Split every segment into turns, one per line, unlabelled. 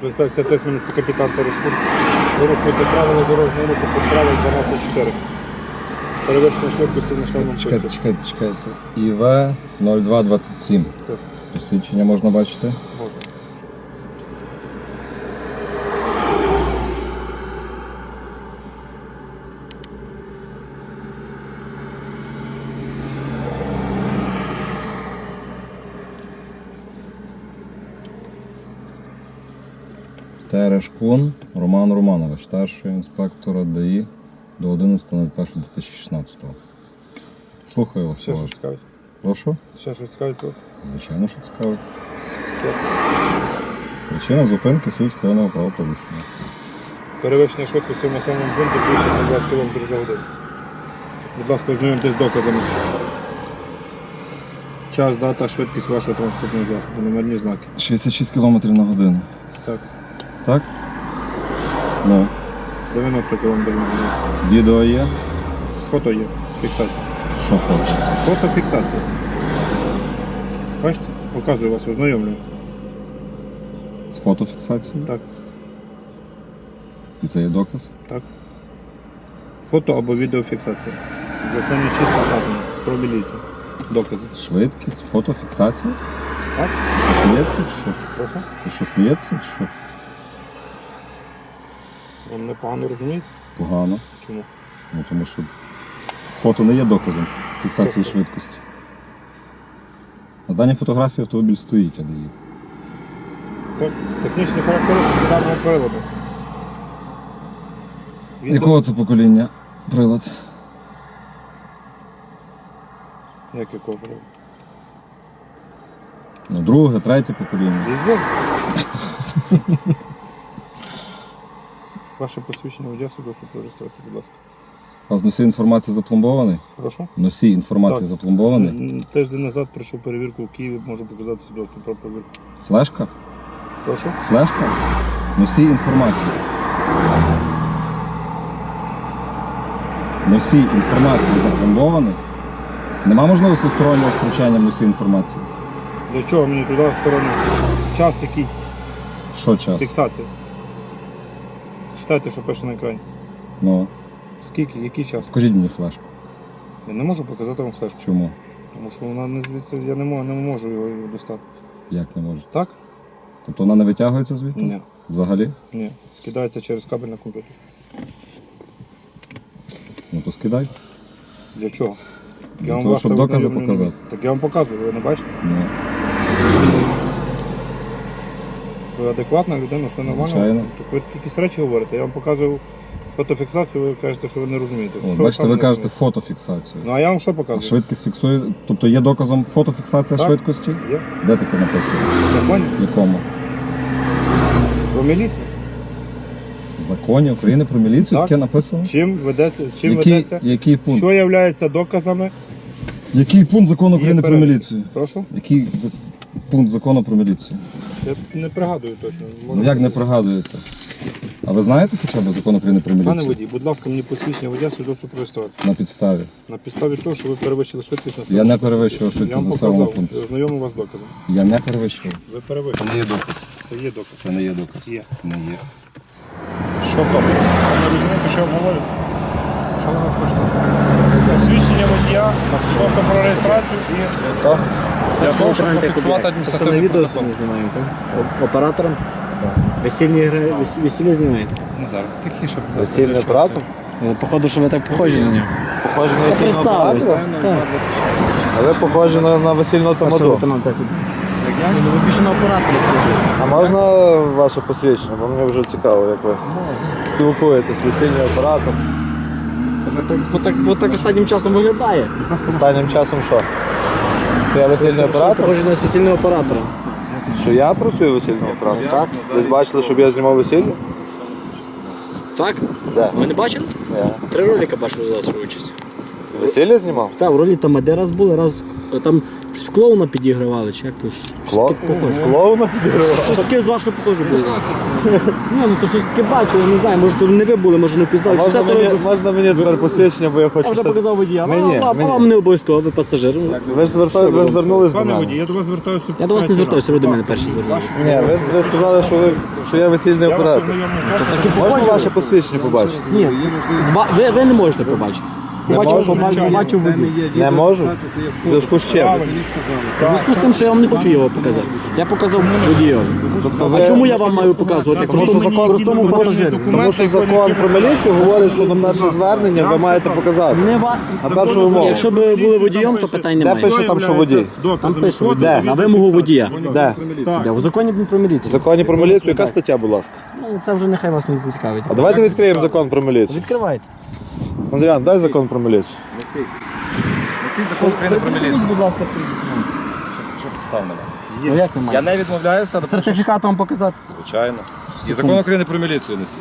Інспекція Тисмені, це капітан Терешкун. Порушуйте правила дорожнього руху під правил 12.4. Перевершення швидкості на швидкості.
Чекайте. ІВ 0227.
Так.
Посвідчення можна бачити?
Можна.
Терешкун Роман Романович, старший інспектор ДАІ до 11.01.2016. Слухаю вас.
Ще щось цікавить?
Прошу?
Ще щось цікавить тут?
Звичайно, що цікавить. Причина зупинки суть скоєного правопорушення.
Перевищення швидкості в населеному пункті більше на 20 км за годину. Будь ласка, ознайомтесь з доказами. Час, дата, швидкість вашого транспортного засобу, номерні знаки.
66 км на годину.
Так.
Так? Ну.
90 км на годину.
Відео є?
Фото є. Фіксація.
Що фото?
Фотофіксація. Бачите? Показую вас, ознайомлюю.
З фотофіксацією?
Так.
І це є доказ?
Так. Фото або відеофіксація. В законі чітко вказано про міліцію. Докази.
Швидкість, фотофіксація?
Так?
Ти що, сміється чи що?
Прошу?
Ти що, сміється чи що?
Ви мене погано розумієте?
Погано.
Чому?
Ну, тому що фото не є доказом фіксації швидкості. На даній фотографії автомобіль стоїть, а не є.
Так. Технічні характеристики даного приладу.
Якого це покоління прилад?
Як якого приладу?
Ну, друге, третє покоління.
Візор. Ваше посвідчення водія свідоцтво про реєстрацію, будь ласка.
У вас носій інформації запломбований?
Прошу?
Носій інформації
Так.
запломбований?
Тиждень назад пройшов перевірку у Києві, можу показати свідоцтво про перевірку.
Флешка?
Прошу?
Флешка? Носій інформації. Носій інформації запломбований? Нема можливості стороннього втручання в носій інформації?
Для чого мені туди в сторону? Час який?
Що час?
Фіксація. Читайте, що пише на екрані.
Ну,
Скільки? Який час?
покажіть мені флешку.
Я не можу показати вам флешку.
Чому?
Тому що вона не звідси, я не можу його достати.
Як не можете?
Так?
Тобто вона не витягується звідти?
Ні.
Взагалі?
Ні. Скидається через кабель на комп'ютер.
Ну то скидай.
Для чого?
Для
вам
того,
вас
щоб
так
докази
ознайомлю на
показати.
місці. Так я вам показую, ви не бачите?
Ну,
Ви адекватна людина, все нормально?
Звичайно.
Так ви такі якісь речі говорите. Я вам показую фотофіксацію, ви кажете, що ви не розумієте.
О,
Що
бачите,
там
ви
не
кажете
розумієте?
фотофіксацію.
Ну а я вам що
А
показую?
швидкість фіксує, тобто є доказом фотофіксація
Так.
швидкості?
Є.
Де таке написано?
В законі?
В якому?
Про міліцію?
В законі України про міліцію
Так.
таке написано?
Чим ведеться?
Який пункт?
Що є доказами?
Який пункт закону України про
перелік.
міліцію?
Прошу?
Який пункт закону про міліцію?
Я не пригадую точно.
Ну як не пригадуєте? А ви знаєте хоча б закон України про
Пане
міліцію?
водій, будь ласка, мені посвідчення водія свідоцтво про реєстрацію.
На підставі.
На підставі того, що ви перевищили швидкість на
Я не перевищував
Я
швидкість
вам
за населеного
показав,
пункту.
ознайомив вас з доказом.
Я не перевищував.
Ви перевищили.
не є доказ.
Це є доказ.
Це не є доказ.
Є.
Не є.
Що то? Ви не розумієте, що я вам говорю?
Що ви зараз хочете?
Посвідчення водія, свідоцтво про реєстрацію і
Що?
для того, щоб зафіксувати адміністративний
відео
протокол.
не знімаємо, так? Оператором? Весільні гри, весілля знімаєте?
Не зараз. Тихіше, будь ласка.
Весільний оператор?
Походу, що ви так похожі на нього.
Похожі на весільного
Представились.
оператора?
Так.
А ви похожі на весільного
Старший
тамаду.
лейтенант, так. Ну, ви більше на оператора схожі.
А можна ваше посвідчення? Бо мені вже цікаво, як ви спілкуєтесь, весільний оператор.
Так останнім часом виглядає.
Останнім часом що? Це я весільний оператор?
Похожі на весільного оператора.
Що я працюю весільним оператором?
Так.
Ви бачили, щоб я знімав весілля?
Так?
Де?
Ви не бачили?
Ні.
3 ролика бачили за свою участь.
Весілля знімав?
Так, в ролі там де раз були, раз там Щось клоуна підігравали, чи як то? Щось таке похоже.
Клоуна?
Щось таке з вашого похоже було. Ні, ну то щось таке бачу, я не знаю, може то не ви були, може не впізнали. Чи це то...
Можна мені тепер посвідчення, бо я хочу...
Я вже показав водія.
Мені.
А вам не обов'язково, ви пасажир.
Ви ж звернулись до
Пане
мене.
водій, я до вас звертаюся.
Я до вас не звертався, ви до мене перші звернулися.
Ні, ви сказали, що я весільний оператор. Можна ваше посвідчення побачити?
Ні, ви не можете побачити. Побачив водій.
Не можу? В зв'язку з чим?
У зв'язку з тим, що я вам не хочу його показати. Я показав водію. А чому я вам маю показувати? Як простому пасажиру.
Тому що закон про міліцію говорить, що на перше звернення ви маєте показати.
Не ва...
На першу вимогу.
Якщо б були водієм, то питань
Де
немає.
пише там, що водій?
Там пише водій.
Де?
На вимогу водія.
Де?
Де? У законі про
В
міліцію.
законі про міліцію яка стаття, будь ласка?
Ну, це вже нехай вас не зацікавить.
А давайте відкриємо закон про міліцію.
Відкривайте.
Андріан, дай закон про міліцію.
Несіть закон України про міліцію.
Будь ласка,
Що підстав мене?
ну як немає?
Я не відмовляюся, але
Сертифікат вам показати?
звичайно. І закон України про міліцію несіть.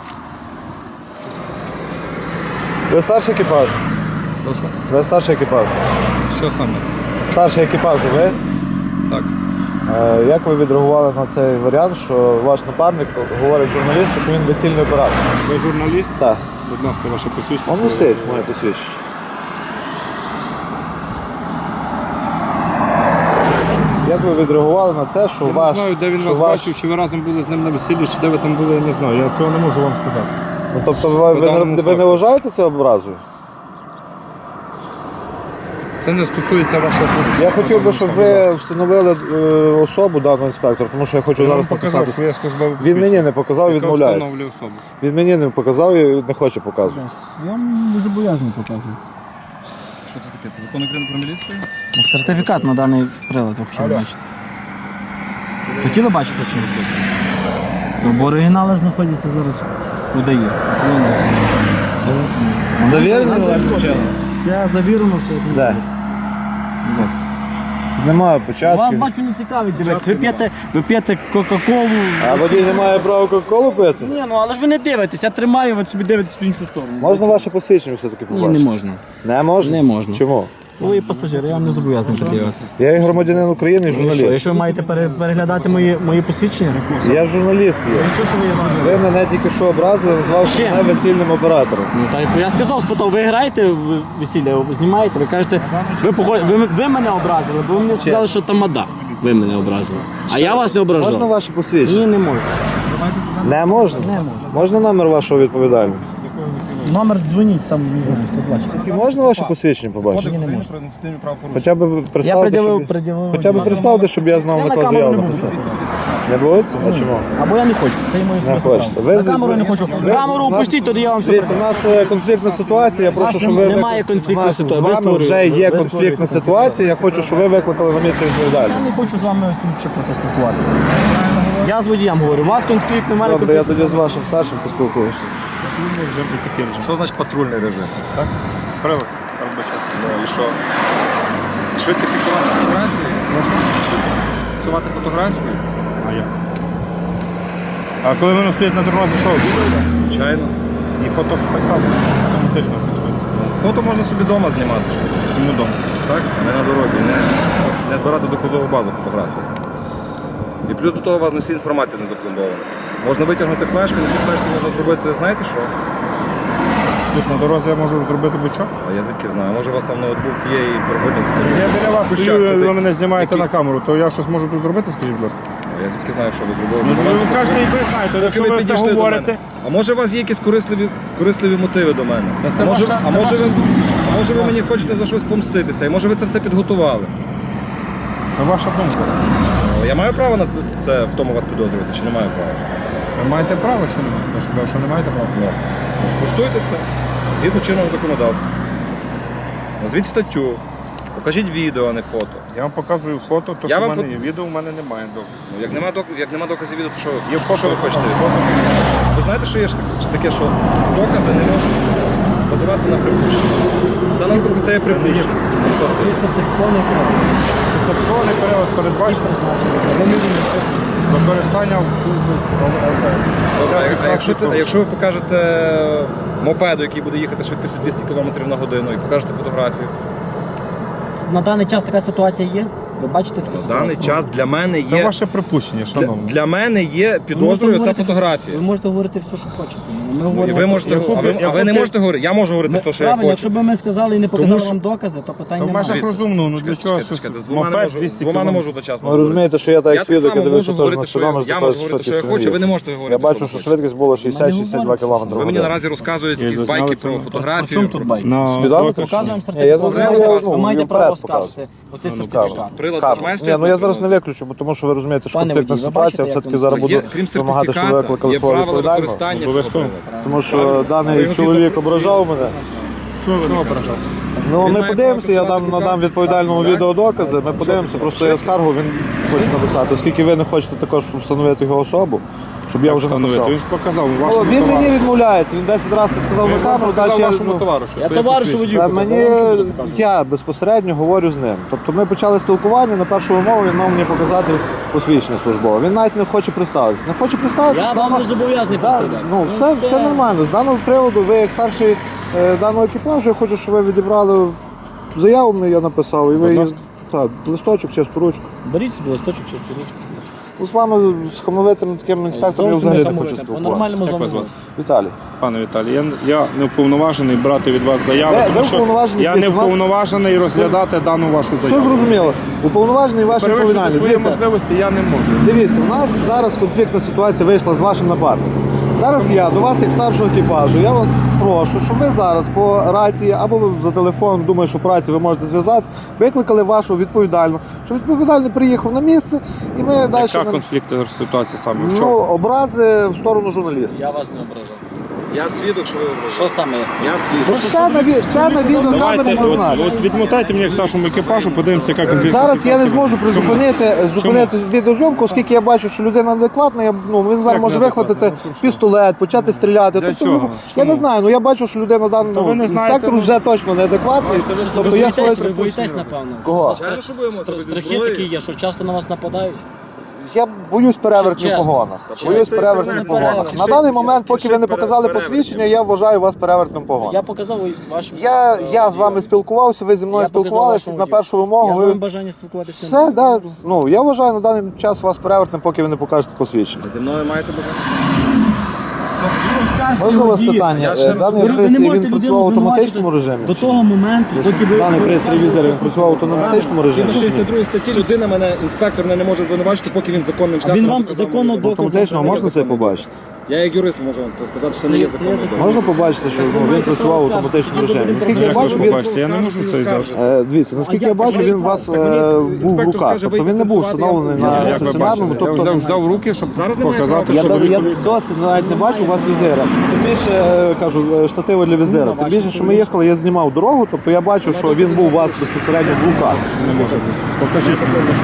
Ви старший екіпаж? Ви старший екіпаж?
Що саме?
Старший екіпаж ви?
Так.
Як ви відреагували на цей варіант, що ваш напарник говорить журналісту, що він весільний оператор?
Ви журналіст?
Так.
Будь ласка, ваше посвідчення.
Он носить моє посвідчення. Як ви відреагували на це, що
Я
ваш...
не знаю, де він
що
вас
ваш-
бачив, чи ви разом були з ним на весіллі, чи де ви там були, я не знаю. Я цього не можу вам сказати.
Ну, тобто ви
даному
не
факту.
вважаєте це образою?
Це не стосується вашого порушення.
Я хотів би, щоб ви встановили особу даного інспектора, тому що я хочу
Я вам
зараз
показав
написати.
своє службове
Він
посвідчення,
мені не показав,
яке
відмовляється.
встановлює особу.
Він мені не показав і не хоче показувати.
Я вам не зобов'язаний показувати.
Що це таке? Це закон України про міліцію?
Сертифікат на даний прилад, ви хотіли бачити. Хотіли бачити чи не? Бо оригінали знаходяться зараз у ДАІ.
Завірений
Все завірено, все як має
Де?
бути. Будь ласка.
Немає
Вас
початку.
бачу не цікавить, дивіться. Ви п'єте Кока-Колу.
А водій не має права кока-колу пити?
Ні, ну але ж ви не дивитесь, я тримаю, ви собі дивитесь в іншу сторону.
Можна ваше посвідчення все-таки
Ні,
побачити?
не можна.
Не можна?
Не можна.
Чому?
Ви пасажир, я вам не зобов'язаний пред'явити.
Я і громадянин України, і
Що,
журналіст.
якщо ви маєте переглядати мої посвідчення?
Я журналіст є.
Ну що ви є журналіст?
Ви мене тільки що образили, назвавши
Чим?
мене весільним оператором.
Ну так я сказав, спитав, ви граєте в весілля, знімаєте, ви кажете, ви мене образили, бо ви мені сказали, що тамада. Ви мене образили. А я вас не ображав.
Можна ваше посвідчення?
Ні, не можна.
Не можна?
Не можна.
Можна номер вашого відповідального?
Номер дзвоніть, там, не знаю, 120.
І можна ваше посвідчення побачити?
Кодекс України про адміністративні правопорушення.
Хоча б
Я
представте,
пред'явив.
Хоча б представте, щоб я знав,
Я
на
на
кого
камеру
заяву
не буду.
написати. Не будете? А чому?
Або я не хочу, це і моє
Не
особисте
хочете.
право.
Ви
На камеру я не хочу. Камеру
у нас-
опустіть, тоді я вам все
Дивіться, у нас конфліктна ситуація, я прошу,
нас
щоб ви...
немає
викликали-
конфліктної
У нас
ситуації.
З
Ви
вами
створюєте.
вже є
Ви
конфліктна
створюєте
ситуація, я хочу, щоб ви викликали на місце
Я
відповідальність.
не хочу з вами ще про це спілкуватися. Я з водієм говорю, у вас конфлікт, немає
Добре, я
конфлікту.
тоді з вашим старшим поспілкуюся.
Що значить патрульний режим?
Прилад, передбачати.
Ну і що? Швидкість фіксувати фотографії? Швидкість фіксувати фотографії?
А я. А коли воно стоїть на дорозі, що? Відео?
Звичайно.
І фото так само автоматично працюється.
Фото можна собі вдома знімати.
Чому вдома?
Так? А не на дорозі. Не збирати доказову базу фотографій. І плюс до того у вас на всі інформація не запломбована. Можна витягнути флешку, на тій флешці можна зробити, знаєте що?
Тут на дорозі я можу зробити будь-що.
А я звідки знаю? Може у вас там ноутбук є і програміст.
Я біля вас
Кущак
стою,
сидить.
ви мене знімаєте
Який?
на камеру, то я щось можу тут зробити, скажіть, будь ласка.
Я звідки знаю, що ви зробили.
Ну, ви кажете, і ви знаєте, якщо ви це
підійшли до
говорите.
мене. А може у вас є якісь корисливі мотиви до мене?
це
А може,
ваша-
а
це
може
ваша-
ви, а може ви мені хочете за щось помститися? І може ви це все підготували?
Це ваша думка.
Я маю право на це в тому вас підозрювати, чи не маю права?
Ви маєте право чи не маєте? Я ж кажу, що не маєте права.
Ну, спростуйте це згідно чинного законодавства. Назвіть статтю, покажіть відео, а не фото.
Я вам показую фото, то
Я
що в
вам
мене є. Відео в мене немає доказу.
Ну, як нема доказів відео, то що,
Є фото,
що ви хочете від мене? Ви знаєте, що є ж таке, що докази не можуть базуватися на припущенні. В даному випадку це є припущення. Ну, що це?
Сертифікований прилад.
Сертифікований період передбачений використання в службі МВС.
Добре, а якщо ви покажете мопеду, який буде їхати швидкістю 200 км на годину, і покажете фотографію,
на даний час така ситуація є? Ви бачите таку
В
ситуацію?
даний час для мене
Це
є.
ваше припущення, шановні.
Для мене є
Ви можете
підозрою ця
говорити-
фотографія.
Ви можете говорити все, що хочете. Ми
І
говоримо,
ви можете, а ви не можете говорити. Я можу говорити все, що я
правильно, якщо
хочу.
б ми сказали і не показали
що-
вам докази, то питань
Та в
немає.
межах розумного, ну для чого
Чекайте,
щось
з двома не
мопед
можу,
200
з двома не
км.
можу одночасно
Ви
говорити.
розумієте, що я так
Я
як
так
свідок,
само
я дивився
можу
теж на
говорити, що я
спідометр,
можу
що
говорити, що я
ти
хочу, а ви не
їздиш.
можете говорити.
Я бачу,
що
що
ви
швидкість була
Ми
60-62
не говоримо,
км.
Ви мені наразі розказуєте
Я
якісь
зазняли
байки
це
про
на-
А в
фотографію.
чому тут байк?
На
Спідометр?
доказ.
Показуємо
Я
сертифікат.
зазняв,
Ви маєте
він
право
вперед
скажете оцей
Ну,
сертифікат.
Прилад
Кажу.
нажимає,
Ні,
стоїть
ну я
на
зараз не
кнопці.
виключу, бо тому що ви розумієте, що
Пане
конфліктна
водій, ви
ситуація,
бачите,
все-таки
як
зараз
воно
Є,
буду
крім
вимагати, щоб ви
сертифіката,
викликали
є
свого
правила
відповідального.
використання цього
Обов'язково.
приладу.
Тому що
Ви
даний
його
чоловік
відео
ображав мене.
Що ображав?
Ну,
Він
ми
має
подивимося, я
право
надам
працювати
відповідальному
так?
відеодокази. Ми подивимося, просто я скаргу він хоче написати, оскільки ви не хочете також встановити його особу, щоб я вже
Встановити.
написав.
Він ж показав
Ну,
вашому
він мені
товаришу.
відмовляється, він 10 разів це сказав на камеру, далі я,
вашому
ну,
товаришу.
Я товаришу водію
Та
показав,
мені
вам що буду показувати?
я безпосередньо говорю з ним. Тобто ми почали спілкування, на першу вимову він мав мені показати посвідчення службове. Він навіть не хоче представитися. Не хоче представитися.
Я вам не зобов'язаний представляти.
Ну, все нормально. З даного приводу, ви як старший даного екіпажу, я хочу, щоб ви відібрали заяву, мені я написав, і ви
Будь
її-
ласка.
так, листочок, чисту ручку.
Беріть собі листочок, чисту ручку.
Ну, з вами з хамовитим таким інспектором я
Зовсім
взагалі
не
не хочу
хамуйте,
спілкуватися.
по-нормальному з
Як
вами
вас звати?
говорити.
Віталій.
Пане Віталій, я не уповноважений брати від вас заяву,
Ви
тому що
уповноважені,
я не
дивіться, у нас-
уповноважений розглядати дану вашу
Все
заяву.
зрозуміло. Уповноважений ваш
Перевищити
відповідальний.
свої
Дивіться,
можливості я не можу.
Дивіться, у нас зараз конфліктна ситуація вийшла з вашим напарником. Зараз я до вас, як старшого екіпажу, я вас прошу, щоб ви зараз по рації або за телефон, думаю, що по рації ви можете зв'язатися, викликали вашого відповідального, щоб відповідальний приїхав на місце і ми далі...
Яка конфліктна ситуація саме? В
Ну,
чому?
образи в сторону журналістів.
Я вас не ображав.
Я свідок, що ви ображаєте.
Що саме я сказав?
Я
Ну,
свідок.
все на відеокамері
Давайте,
зазначено.
от відмотайте мені як старшому екіпажу, подивимося, яка конфліктна
Зараз я не
ситуація.
зможу зупинити відеозйомку, оскільки я бачу, що людина адекватна, він зараз
Як
може
неадекватна?
вихватити
Ну, що?
пістолет, почати стріляти.
Для
Тобто,
чого?
я не
Чому?
знаю, ну я бачу, що людина
Та ви не знаєте,
інспектор
ну.
вже точно неадекватний. Тобто я своє
Ви боїтесь, напевно.
Кого?
Звичайно, що боїмося, без
Страхи
зброї.
такі є, що часто на вас нападають.
Я боюсь перевертнів
Чесно.
погонах.
Чесно.
Боюсь
Це
перевертнів
інтернет,
погонах.
перевертні.
На даний момент, поки ви не
Пишіть
показали
перевертні.
посвідчення, я вважаю вас перевертним погонах.
Я показав вашу...
Я з вами спілкувався, ви зі мною
Я показав
спілкувалися
вашу
на
водію.
першу вимогу.
Я з
ви-
вами бажання спілкуватися.
Все, да. Ну, я вважаю на даний час вас перевертним, поки ви не покажете посвідчення.
Зі мною маєте бажання?
Можна у вас питання?
Я ще раз
Даний
Ви не
пристрій
можете
він
людину
працював в автоматичному
звинувачити
режимі?
до того моменту, поки ви...
Даний пристрій візер він працював в автоматичному режимі?
Згідно 62 статті людина мене, інспектор мене не може звинувачити, поки він законним шляхом
Він
не
вам
показав
законно
мені.
доказав.
Автоматично можна це побачити?
Я як юрист можу вам це сказати, що це не є
Це
законним.
законно.
Можна побачити, що він працював в автоматичному режимі? Наскільки я
Як ви
бачу, він...
побачите, я не можу це зараз.
Дивіться, наскільки
А
я
як
бачу,
це
він у вас
Так мені
був в
інспектор
руках.
скаже,
Тобто він
вийти
не був
станцювати,
встановлений
я-
на
Як ви
стаціонарному.
бачите, я
Тобто
взяв в руки, щоб
Зараз немає
показати,
права.
що
я
ви...
досі навіть не бачу у вас візира. Тим більше, кажу, штативи для візира. Тим більше, що ми їхали, я знімав дорогу, тобто я бачу, що він був у вас безпосередньо в руках.
Не може бути. Покажіть.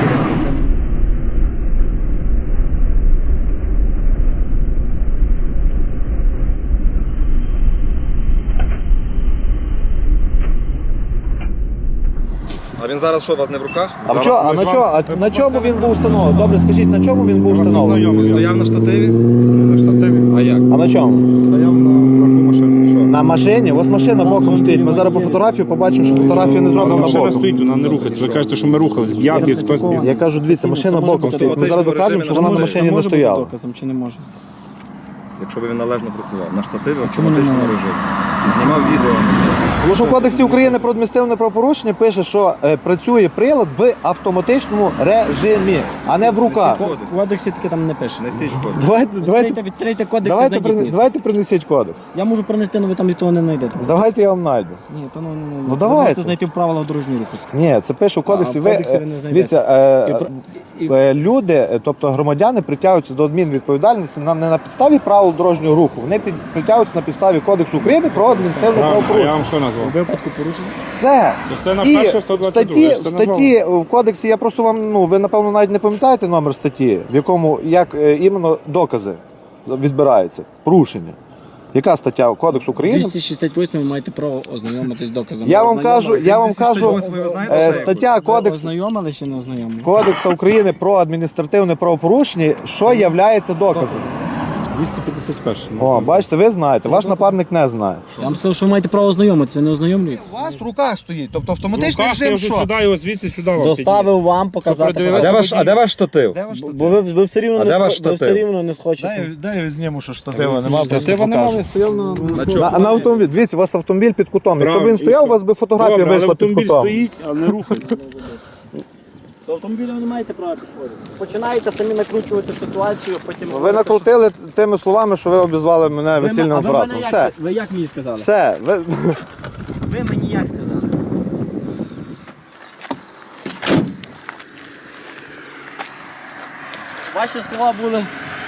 А він зараз що, у вас не в руках?
А на чому він був встановлений? Добре, скажіть, на чому він був встановлений?
Стояв на штативі?
На штативі.
А як?
А на чому?
Стояв на тверду машину. Що?
На машині? Ось машина боком стоїть. Ми зараз по фотографії побачимо, що фотографія не зроблена
Машина
боком.
стоїть, вона не рухається. Ви кажете, що ми рухались. Я біг, хтось біг.
Я кажу, дивіться, машина боком стоїть. Ми зараз докажемо, що вона на машині не стояла.
доказом чи не може?
Якщо б він належно працював. На штативі в автоматичному режимі. І знімав відео.
Тому що в Кодексі України про адміністративне правопорушення пише, що працює прилад в автоматичному режимі, а не в руках.
Кодекс.
В кодексі таке там не пише.
Несіть кодекс.
Відкрийте кодекс і знайдіть мені це.
Давайте принесіть кодекс.
Я можу принести, але ви там і того не знайдете.
Давайте я вам знайду.
Ні, то не
Ну, давайте.
Ви можете знайти в правилах дорожнього руху.
Ні, це пише в кодексі.
А в кодексі ви не знайдете.
Дивіться,
І-
люди, тобто громадяни, притягуються до адмінвідповідальності не на підставі правил дорожнього руху, вони притягуються на підставі Кодексу України про адміністративне
А я
правопорушення.
вам що
У
назвав?
випадку порушення.
Все.
Частина
І
перша,
в
122.
статті в кодексі, я просто вам, ви напевно навіть не пам'ятаєте номер статті, в якому як іменно докази відбираються, порушення. Яка стаття Кодексу України?
268 ви маєте право ознайомитись з доказами.
Я вам кажу,
268 ви знаєте, що є?
стаття
Ви
Кодексу
ознайомили чи не ознайомили?
Кодексу України про адміністративне правопорушення, що являється доказом.
251.
О, бачите, ви знаєте, ваш напарник не знає.
Я вам сказав, що ви маєте право ознайомитися, ви не ознайомлюєтесь.
У вас в руках стоїть, тобто
Я вже сюди його звідси сюди вам
Доставив вам показати.
А де ваш штатив?
Бо ви все рівно
А де ваш
ви все
штатив?
рівно не схочете.
Дай я зніму, що штатива нема.
Штатива немає, стояв на...
На автомобіль. Дивіться, у вас автомобіль під кутом. Якщо б він
Правильно.
стояв, у вас би фотографія
Добре, але
вийшла під
автомобіль
кутом.
стоїть, а не рухається.
З автомобілем не маєте права підходити. Починаєте самі накручувати ситуацію, потім...
Ви накрутили тими словами, що ви обізвали мене весільним
А ви
братом.
мене
Все.
як, ви як мені сказали?
Все. Ви...
Ви мені як сказали? Ваші слова були...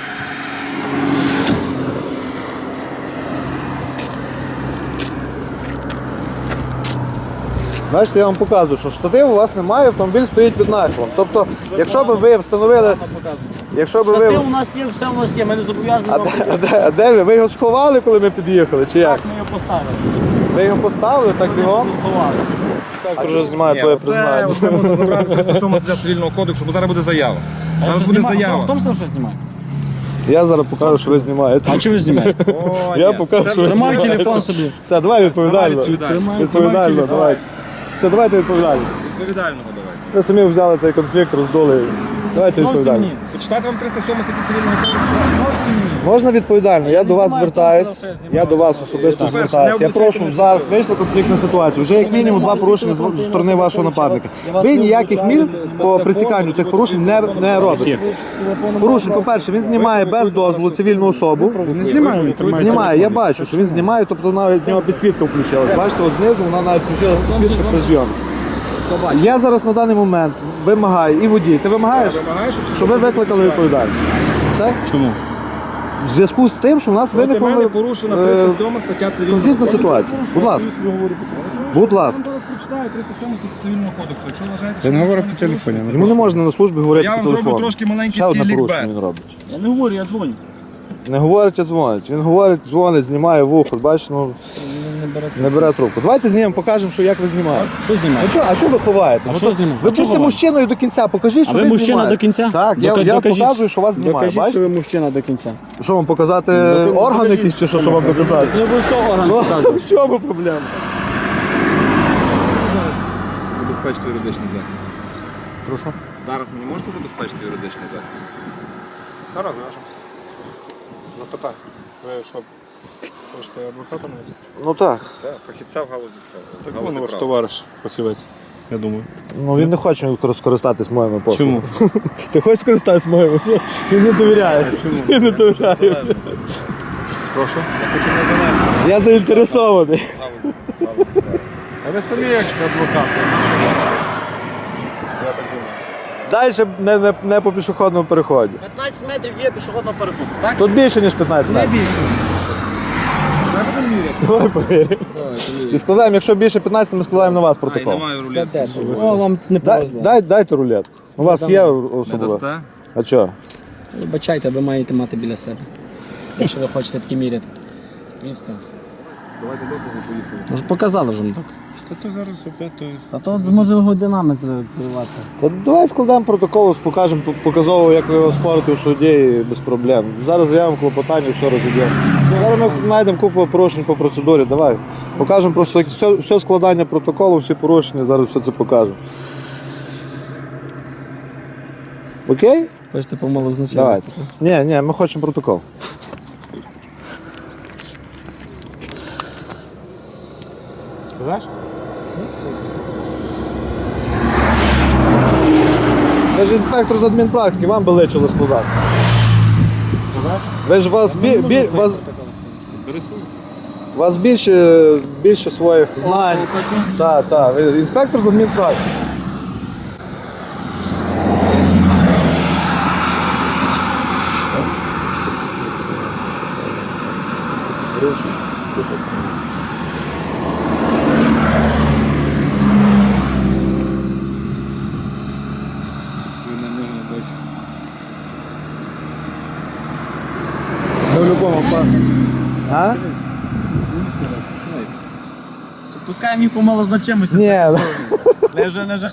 Бачите, я вам показую, що штатив у вас немає, автомобіль стоїть під нахилом. Тобто, якщо б ви встановили... Якщо б ви...
Штатив у нас є, все у нас є, ми не зобов'язані вам
А де ви? Ви його сховали, коли ми під'їхали, чи як?
Так, ми його поставили.
Ви його поставили, так бігом?
Сховали.
Так вже знімає твоє признання.
Це можна забрати 307 стаття цивільного кодексу, бо зараз буде заява. Зараз буде
Хто
заява.
в тому сказав, що знімає?
Я зараз покажу, що ви знімаєте.
А чи ви знімаєте?
О,
Я
ні.
покажу,
Це
що
вже
ви
Тримай
знімаєте.
телефон собі.
Все, давай відповідально.
відповідально.
Відповідально, давай. Все, давайте відповідально.
Відповідального давайте.
Ви самі взяли цей конфлікт, роздули. Давайте
Зовсім
відповідально.
ні.
Почитайте вам 307 стаття цивільного кодексу.
Зовсім ні.
Можна відповідально? Я до вас
знімаю,
звертаюсь.
хто сказав, що я
Я до вас особисто
По-перше,
звертаюсь.
не
Я прошу, зараз вийшла конфліктна ситуація. Вже як мінімум два порушення з сторони вашого напарника. Ви ніяких мір по пресіканню цих порушень не робите. Порушень, по-перше, він знімає без дозволу цивільну особу.
Не знімаю, він тримає.
Знімає, я бачу, що він знімає, тобто навіть в нього підсвітка включилась. Бачите, от знизу вона навіть включилася підсвітка при зйомці. Я зараз на даний момент вимагаю, і водій, ти вимагаєш, щоб ви викликали відповідальність. Все?
Чому?
В зв'язку з тим, що у нас
Проти
виникла
мене порушена 307 стаття цивільного
конфліктна
кодексу.
ситуація. Будь ласка. Будь ласка.
зараз прочитаю 307 статтю цивільного кодексу. Якщо вважаєте,
Ти не говорив по телефоні.
Йому не можна на службі говорити
Я
по
вам зроблю
телефону.
трошки маленький
Ще одне
такий
порушення
лікбез.
він робить.
Я не говорю, я дзвоню.
Не говорить, а дзвонить. Він говорить, дзвонить, знімає вухо. Бачиш, ну не бере трубку. Давайте знімемо, покажемо, що як ви знімаєте.
Що знімає?
А що ви ховаєте?
А що знімати?
Ви
А чого
будьте
ховати?
мужчиною до кінця, покажіть, що
А ви
ви
мужчина
знімаєте.
до кінця?
Так, я показую, що вас знімає.
Докажіть, що
Бачите?
ви мужчина до кінця.
Що вам показати орган якийсь чи що вам показати?
Не обов'язково орган
Ну,
показувати.
в чому проблема?
Забезпечити юридичний захист.
Прошу.
Зараз мені можете забезпечити юридичний захист?
Зараз зв'яжемося. Запитай. Ви що, хочете адвоката навіть?
Ну так.
Це фахівця в галузі справи.
Так
Галузі
вон ваш
права.
товариш, фахівець, я думаю.
Ну він не хоче скористатись моїми послугами.
Чому?
Ти хочеш скористатись моїми? Він не довіряє. Він не довіряє.
Залежно.
Прошу.
Я хочу незалежно.
Я заінтересований.
Галузі права.
А ви самі як адвокат.
Далі не по пішохідному переході.
15 метрів є пішохідного переходу, так?
Тут більше, ніж 15 метрів.
Давай будемо міряти.
Давай повіримо. І складаємо, якщо більше 15, ми складаємо на вас
Ай,
протокол.
немає рулетки.
О, вам не повезло.
Дайте рулетку. У вас є
Не
особливо.
дасте?
А що?
Вибачайте, ви маєте мати біля себе. Якщо ви хочете такі міряти. Відстань.
Давайте докази, поїхали.
Може показали вже доказ.
Та то зараз опять то
Та то може годинами це тривати.
Та давай складемо протокол, покажемо показово, як ви його спорите у суді і без проблем. Зараз заявимо клопотання, все розійдемо. Зараз ми знайдемо купу порушень по процедурі. Давай. Покажемо просто все складання протоколу, всі порушення, зараз все це покажемо. Окей?
Хочете помало
Давайте.
значення.
Ні, ми хочемо протокол.
Сказаш?
Ви ж інспектор з адмінпрактики, вам би личило складати. Ви ж вас, вас більше своїх знань. Так, ви інспектор з адмінпрактики.
Ви на нього не бачите.
Ми в будь-якому випадку. А?
Пускаємо їх помало значимості.
Ні.
Не вже.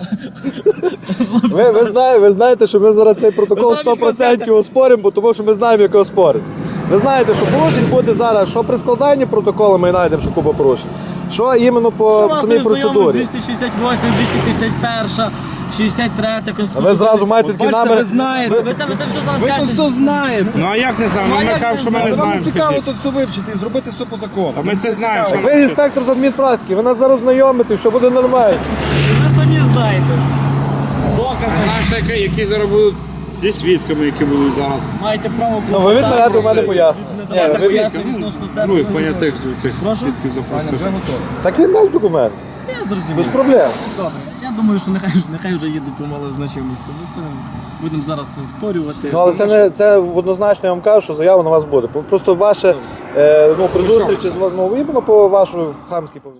Ви знаєте, що ми зараз цей протокол 100% оспоримо, бо тому що ми знаємо, як його спорити. Ви знаєте, що порушень буде зараз, що при складанні протоколу ми знайдемо, що купа порушень, що іменно по самій процедурі.
268, 251, 63 Конституція.
Ви зразу маєте такі наміри.
Ви знаєте. Ви це все зараз кажете.
знаєте.
Ну а як не знаємо? Ми кажемо, що ми не
Вам
знаємо.
не цікаво
скажіть.
тут все вивчити і зробити все по закону.
Ми це знаємо, що
Ви інспектор з адмінпрактики, ви нас зараз знайомите, все буде нормально.
Ви самі знаєте. Докази.
Знаєш, які зараз будуть зі свідками, які будуть зараз.
Маєте право
Ну, ви відмовляєте у мене пояснення.
Не давати
Ні, ви-
пояснення відносно себе.
Ну і понятих цих
Прошу?
свідків
Аня,
запросити.
вже готово.
Так він дасть документ,
Я
без
зрозумів.
проблем.
Добре. Я думаю, що нехай вже їде по малозначимості. Ми це будемо зараз це спорювати.
Ну, але це однозначно я вам кажу, що заява на вас буде. Просто ваше при зустрічі з іменно по вашій хамській поведінці.